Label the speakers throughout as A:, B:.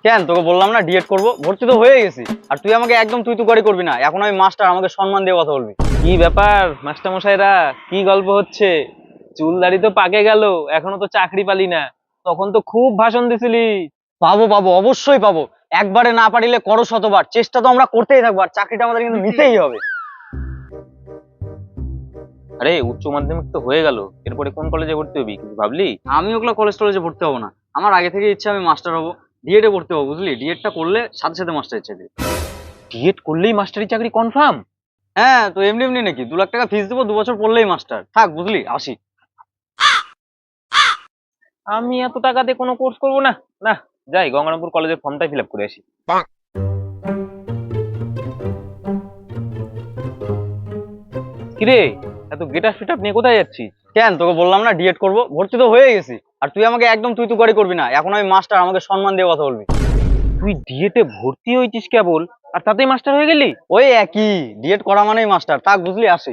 A: কেন তোকে বললাম না ডিএড করব, ভর্তি তো হয়ে গেছি। আর তুই আমাকে একদম তুই তুকারি করবি না, এখন আমি মাস্টার, আমাকে সম্মান দিয়ে কথা বলবি।
B: কি ব্যাপার মাস্টার মশাইরা, কি গল্প হচ্ছে? চুল দাড়ি তো পাকে গেল, এখনো তো চাকরি পালি না। তখন তো খুব ভাষণ দিছিলি।
A: পাবো পাবো, অবশ্যই পাবো। একবারে না পারিলে করো শতবার, চেষ্টা তো আমরা করতেই থাকবো, আর চাকরিটা আমাদের কিন্তু নিতেই হবে।
B: আরে উচ্চ মাধ্যমিক তো হয়ে গেল, এরপরে কোন কলেজে ভর্তি হবি কিছু ভাবলি?
A: আমি ওগুলো কলেজ টলেজে ভর্তি হবো না, আমার আগে থেকে ইচ্ছা আমি মাস্টার হবো। ডিএডে ভর্তি হবো, বুঝলি? ডিএডটা করলে সাথে সাথে মাস্টার ইচ্ছে দিবে।
B: বিএড করলেই মাস্টারি চাকরি কনফার্ম?
A: হ্যাঁ, তো এমনি এমনি নাকি? 2 লাখ টাকা ফিস দেবো, 2 বছর পড়লেই মাস্টার। থাক, বুঝলি, আসি।
B: আমি এত টাকা দিয়ে কোনো কোর্স করবো না। না, যাই গঙ্গারামপুর কলেজের ফর্মটাই ফিল আপ করে আসি। কিরে, এত গেট আপ ফিট আপ নিয়ে কোথায় যাচ্ছিস?
A: কেন তোকে বললাম না ডিএড করব, ভর্তি তো হয়ে গেছি। আর তুই আমাকে একদম তুই তুকারি করবি না, এখন আমি মাস্টার, আমাকে সম্মান দিয়ে কথা বলবি।
B: তুই ডিএতে ভর্তি হয়েছিস কেবল, আর তাতেই মাস্টার হয়ে গেলি?
A: ওই একই, ডিএড করা মানেই মাস্টার। থাক, বুঝলি, আসি।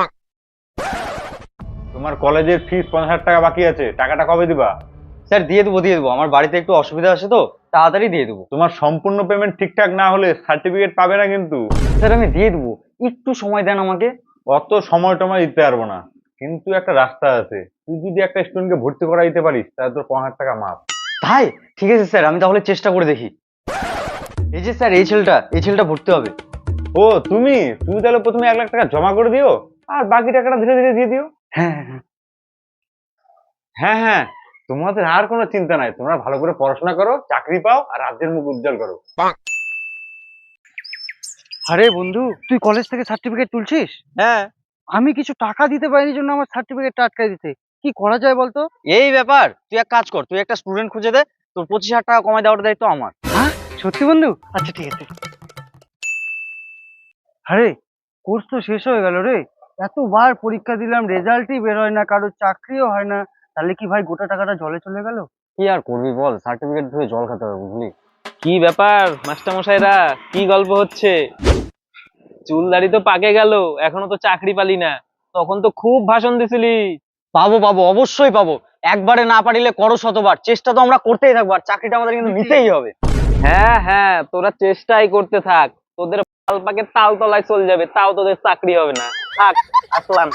C: তোমার কলেজের ফিস 50,000 টাকা বাকি আছে, টাকাটা কবে দিবা?
A: স্যার দিয়ে দেবো, আমার বাড়িতে একটু অসুবিধা আছে তো, তাড়াতাড়ি দিয়ে দেবো।
C: তোমার সম্পূর্ণ পেমেন্ট ঠিকঠাক না হলে সার্টিফিকেট পাবে না কিন্তু।
A: স্যার আমি দিয়ে দেবো, একটু সময় দেন আমাকে।
C: অত সময় টময় দিতে পারবো না, কিন্তু একটা রাস্তা আছে। তুই যদি একটা স্টুডেন্টকে ভর্তি করা দিতে পারিস তাহলে তোর 50,000 টাকা মাফ।
A: তাই? ঠিক আছে স্যার, আমি তাহলে চেষ্টা করে দেখি। এই যে স্যার, এই ছেলেটা ভর্তি হবে।
C: ও তুমি তুমি তাহলে প্রথমে 1 লাখ টাকা জমা করে দিও, আর বাকি টাকাটা ধীরে ধীরে দিয়ে দিও।
A: হ্যাঁ হ্যাঁ।
C: হ্যাঁ হ্যাঁ, তোমাদের আর কোনো চিন্তা নাই, তোমরা ভালো করে পড়াশোনা করো, চাকরি পাও, আর রাজ্যের মুখ উজ্জ্বল করো।
D: আরে বন্ধু, তুই কলেজ থেকে সার্টিফিকেট তুলছিস?
A: হ্যাঁ।
D: আমি কিছু টাকা দিতে পারিনি জন্য আমার সার্টিফিকেটটা আটকাই দিতে। কি করা যায় বলতো?
A: এই ব্যাপার, তুই এক কাজ কর, তুই একটা স্টুডেন্ট খুঁজে দে, তোর 25,000 টাকা কমায় দেওয়ার দায়িত্ব আমার।
D: হ্যাঁ, সত্যি বন্ধু? আচ্ছা ঠিক আছে। আরে, কোর্স তো শেষ হয়ে গেল রে। এতবার পরীক্ষা দিলাম, রেজাল্টই বের হয় না, কারোর চাকরিও হয় না। তাহলে কি ভাই গোটা টাকাটা জলে চলে গেল?
A: কি আর করবি বল, সার্টিফিকেট ধুয়ে জল খেতে হবে, বুঝলি?
B: কি ব্যাপার মাস্টার মশাইরা, কি গল্প হচ্ছে? চুল দাড়ি তো পাকে গেল, এখনো তো চাকরি পালি না। তখন তো খুব ভাষণ দিছিলি।
A: পাবো পাবো, অবশ্যই পাবো। একবারে না পারিলে করো শতবার, চেষ্টা তো আমরা করতেই থাকবো, আর চাকরিটা আমাদের কিন্তু নিতেই হবে।
B: হ্যাঁ হ্যাঁ, তোরা চেষ্টাই করতে থাক। তোদের পাল পাকে তাল তলায় চলে যাবে, তাও তোদের চাকরি হবে না। থাক, আসলাম।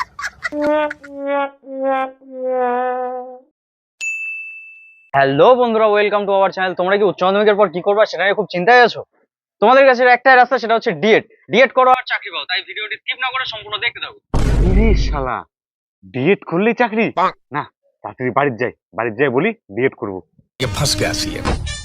A: হ্যালো বন্ধুরা, ওয়েলকাম টু আওয়ার চ্যানেল। তোমরা কি উচ্চ মাধ্যমিকের পর কি করবা সেটা নিয়ে খুব চিন্তায় আছো? তোমাদের কাছে একটাই রাস্তা, সেটা হচ্ছে ডিএড। ডিএড করো আর চাকরি পাও, তাই ভিডিওটি স্কিপ না করে সম্পূর্ণ দেখতে থাকো।
C: ইরে শালা, ডিএড করলেই চাকরি? না, তাড়াতাড়ি বাড়ির যাই বলি ডিএড করবো।
E: ये फंस गया सी